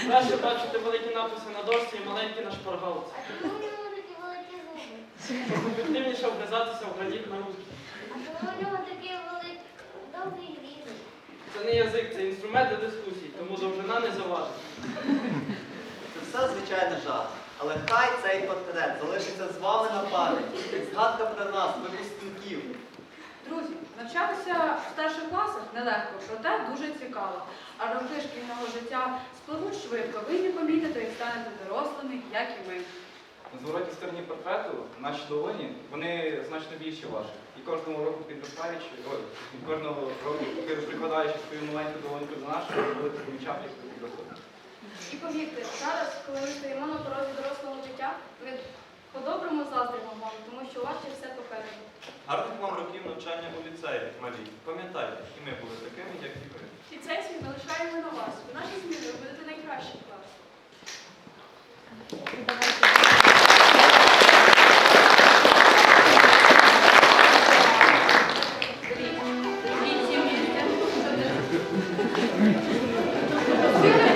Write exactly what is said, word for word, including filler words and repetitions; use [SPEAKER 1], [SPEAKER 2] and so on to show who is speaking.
[SPEAKER 1] Краще бачити великі написи на дошці і маленькі на шпаргалці.
[SPEAKER 2] А чому в нього такі великі зуби?
[SPEAKER 1] Щоб ефективніше вгризатися в граніт на руки.
[SPEAKER 2] А чому в нього такий великий довгий різний?
[SPEAKER 1] Це не язик, це інструмент для дискусій, тому довжина не заважить.
[SPEAKER 3] Це все, звичайно, жарт. Але хай цей портрет залишиться з вами на пам'ять, як згадка про нас, випускників.
[SPEAKER 4] Друзі, навчатися в старших класах нелегко, проте дуже цікаво. А роки шкільного життя спливуть швидко. Ви не помітите, як станете дорослими, як і ми.
[SPEAKER 5] На зворотній стороні портрету наші долоні, вони значно більші ваші. І кожного року підростаючи, ой, і кожного року прикладаючи свою маленьку долоньку до нашої, ви будете помічати, як ви підростете.
[SPEAKER 6] І повірте, зараз, коли ми стоїмо на порозі дорослого життя, ми по-доброму заздримо вам, тому що у вас ще все попереду.
[SPEAKER 7] Гарних вам років навчання у ліцеї, малі. Пам'ятайте, і ми були такими, як і ви.
[SPEAKER 6] І це